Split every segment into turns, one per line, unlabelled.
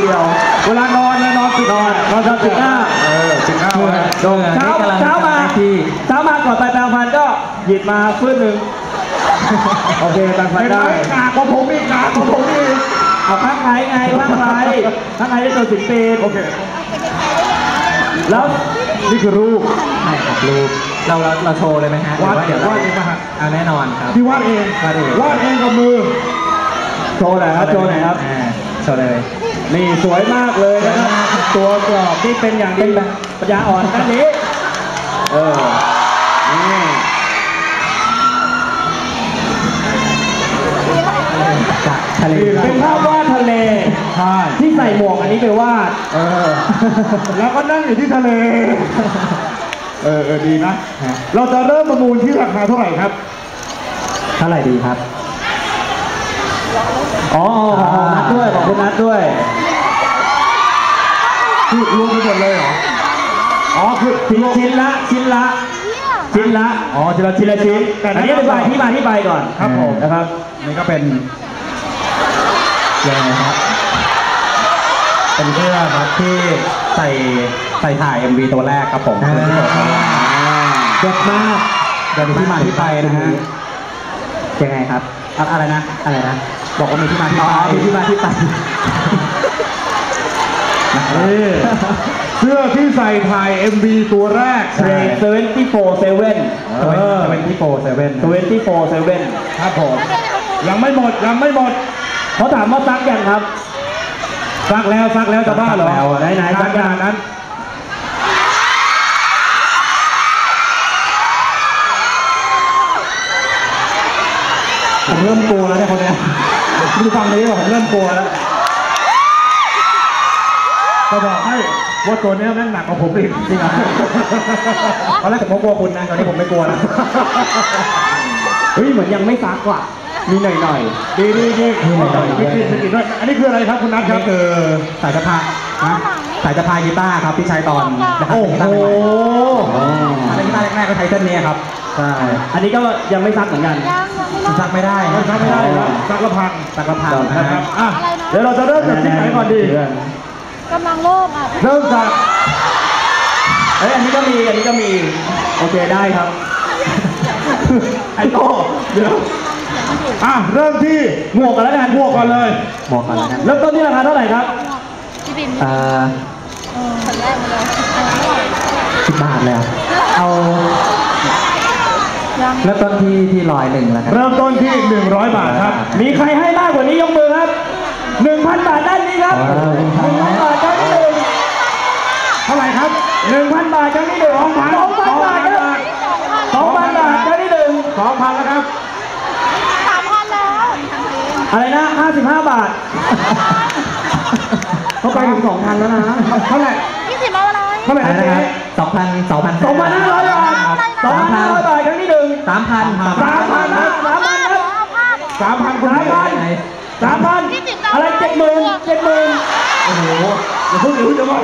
ดียวเวลานอนเนี่ยนอนปิดหน้าปิดหน้าเช้ามาก่อนไปแปรงฟันก็หยิบมาฟื้นหนึ่งโอเคแปรงฟันได้หนาของผมอีกเอาข้างไหนไงข้างไหนได้ตัว10 ปีโอเคแล้วนี่คือรูป
ใช่ครับรูปเราโชว์เลยไหมฮะ
วาดเองป่ะฮะ
แน่นอนครับ
ที่วาดเองกับมือโชว์หน่อยครับโชว์เลยนี่สวยมากเลยนะครับตัวกรอบที่เป็นอย่างดีปัญญาอ่อนด้านนี้นี่
ทะเล
เป็นภาพวาดทะเลที่ใส่หมวกอันนี้ไปวาดแล้วก็นั่งอยู่ที่ทะเลดีนะเราจะเริ่มประมูลที่ราคาเท่าไหร่ครับ
เท่าไหร่ดีครับ
นัดด้วยขอบคุณนัดด้วยที่รวมไปหมดเลยเหรอคือชิ้นละทีละชิ้นอันนี้อธิบายที่ไปก่อนครับผมนะครับนี่ก็เป็น
ยังไงครับเป็นเสื้อครับที่ใส่ถ่าย MV ตัวแรกครับผม
เด็ดมาก
เดี๋ยวมีที่มาที่ไปนะฮะยังไงครับอะไรนะบอกว่ามีที่มาที่ไป
เสื้อที่ใส่ถ่าย MV ตัวแรก24/7ครับผมยังไม่หมดเขาถามว่าซักยังครับซักแล้วจะบ้าเหรอไหนซักอย่างนั้นผมเริ่มกลัวแล้วเนี่ยคนเนี้ยดูฟังนี้ว่าผมเริ่มกลัวแล้วจะบอกให้ว่าตัวนี้แม่งหนักกว่าผมอีกจริงเหรอตอนแรกผมก็กลัวคุณนะตอนนี้ผมไม่กลัวแล้วเหมือนยังไม่ซักว่ะมีหน่อยดีไม่กินด้วยอันนี้คืออะไรครับคุณนัทครับ
คือสายสะพายกีตาร์ครับที่ใช้ตอน
โอ้โห
กีตาร์แรกๆก็ใช้เส้นนี้ครับใช่
อันนี้ก็ยังไม่ซักเหมือนกัน
ซักไม่ได้
ซักละพัง
นะครับ
เดี๋ยวเราจะเริ่มจากที่ไหนก่อนดี
กำลังเริ่
มจากอันนี้ก็มีโอเคได้ครับไอ้โต้เดี๋ยวเริ่มที่หมวกก่อนแล้วกันหมวกก่อนเลยเริ่มต้นที่ราคาเท่าไหร่ครับ
พี่บินคนแรกมาเลย
10 บาทเลยเอาเริ่มต้นที่101แล้วกัน
เริ่มต้นที่100 บาทครับมีใครให้มากกว่านี้ยกมือครับ 1,000 บาทด้านนี้ครับ 1,000 บาทครั้งที่1เท่าไหร่ครับ 1,000 บาทครั้งที่1 2,000 บาทครับ 2,000 บาทครั้งที่1 2,000แล้วครับ
3,000แล้ว
อะไรนะ55 บาทเขาไปถึง 2,000 แล้วนะเท่าไหร่
20เอาอะไร
เท่าไหร่นะครับ
2,500
บาท 2,500 บาทครั้งที่1
3,000
อะไร70,000โอ้โหอย่าเพิ่งจะว่า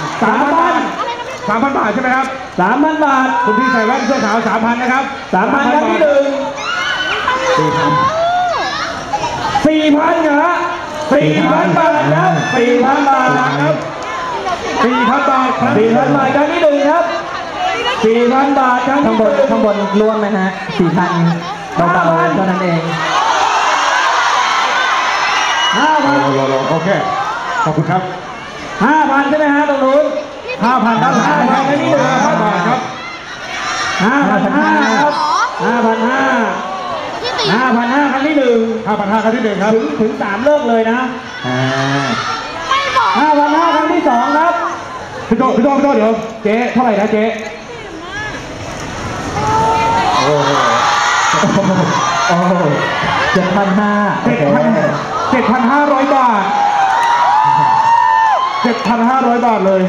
3,000 บาทใช่ไหมครับ 3,000 บาทคุณพี่ใส่แว่นเสื้อขาว 3,000 นะครับ 3,000 ครั้งที่4,000 นะ4,000 บาทครับ 4,000 บาทครับ 4,000 บาทครั้งที่1ครับ 4,000 บาทครั้งที่
ข้างบนร่วมไหมฮะ 4,000 เบาๆเท่านั้นเอง
5,000โอเคขอบคุณครับ 5,000 ใช่ไหมฮะตรงนู้น 5,000 ด้านหลังครั้งที่1 5,000 บาทครับ 5,500 ครับ 5,500 ครั้งที่1 5,500 ครั้งที่1ครับถึง3เลิกเลยนะ 5,500 ครั้งที่2ครับพี่โต้เดี๋ยวเจ๊เท่าไหร่นะเจ๊7,500 บาท 7,500 บาทเลย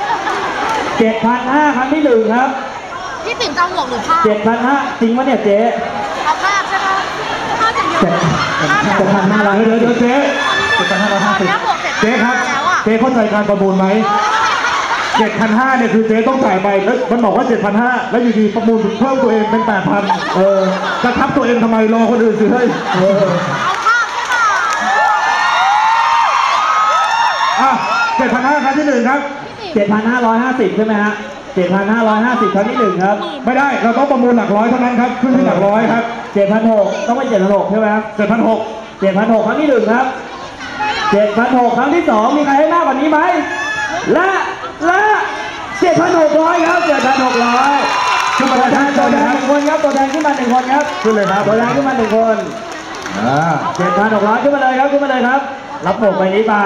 7,500 ครั้งที่1ครับ
พี่ติ๋มจะหมวกหรือผ้า
7,500จริงวะเนี่ยเจ๊
เอาผ้าใช่ไหมผ้าอย่างเดียว
7,500เดี๋ยวเจ๊7,550เจ๊ครับเจ๊เข้าใจการประมูลไหม 7,500 เนี่ยคือเจ๊ต้องจ่ายไปแล้วมันบอกว่า 7,500 แล้วอยู่ดีประมูลเพิ่มตัวเองเป็น 8,000 จะทับตัวเองทำไมรอคนอื่นซื้อให้
7,500ครั้งที่1ครับ
7,550ใช่ไหมฮะ7,550ครั้งที่1ครับ
ไม่ได้เราต้องประมูลหลักร้อยเท่านั้นครับขึ้นที่หลักร้อยครับ
7,600ต้องเป็น7,600ใช่ไหมครับ
7,600
7,600ครั้งที่1ครับ7,600ครั้งที่2มีใครให้มากกว่านี้ไหมและ7,600ครับ7,600
ขึ้นมา
ตัวแท
ได้
น
ตัว
1
นะครับ
คนครับตัวแทนขึ้นมา1 คนครับ
ขึ้นเลยครับ
ตัวแทนขึ้นมา1 คน 7,600ขึ้นมาเลยครับขึ้นมาเลยครับรับหมวกใบนี้ไป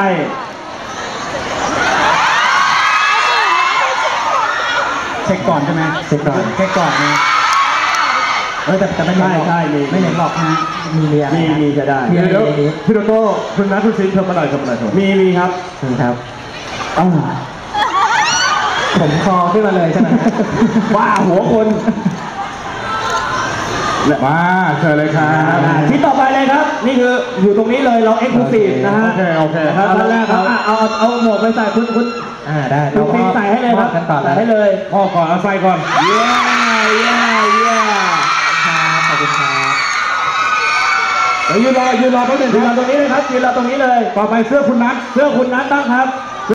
เช็คก่อนใช่ไหมเช็คก่อนนะแต่ไม่
ใช่มี
ไม่เห็นหรอกนะมีเรีย
มีจะได้
เดี๋ยวพี่โตโต้คุณนัทคุณซิงค์เธอมาหน่อยเธอมาหน่อย
มีครับ
ครับผมคอขึ้นมาเลยใช่ไหม
ว่าหัวคน
มาเชิญเลยครับ
ที่ต่อไปเลยครับ นี่คืออยู่ตรงนี้เลยเราเอ็กซ์คลูซีฟนะฮะ
โอเค
ครับตอนแรกครับเอาหมวกไปใส่คุณ
ได้
คุณฟิล์มใส่ให้เลยครับ
กันต่อ
ใส่ให้เลย
พ่อก่อนเอาใส่ก่อน
เย้
ขอบคุณครับ
เดี๋ยวยืนรอแป๊บนึง
ยืน
ค
เรา
รับ
ตรงนี้เลยครับยืนเราตรงนี้เลย
ต่อไปเสื้อคุณนัท
เสื้อคุณนัทบ้างครับ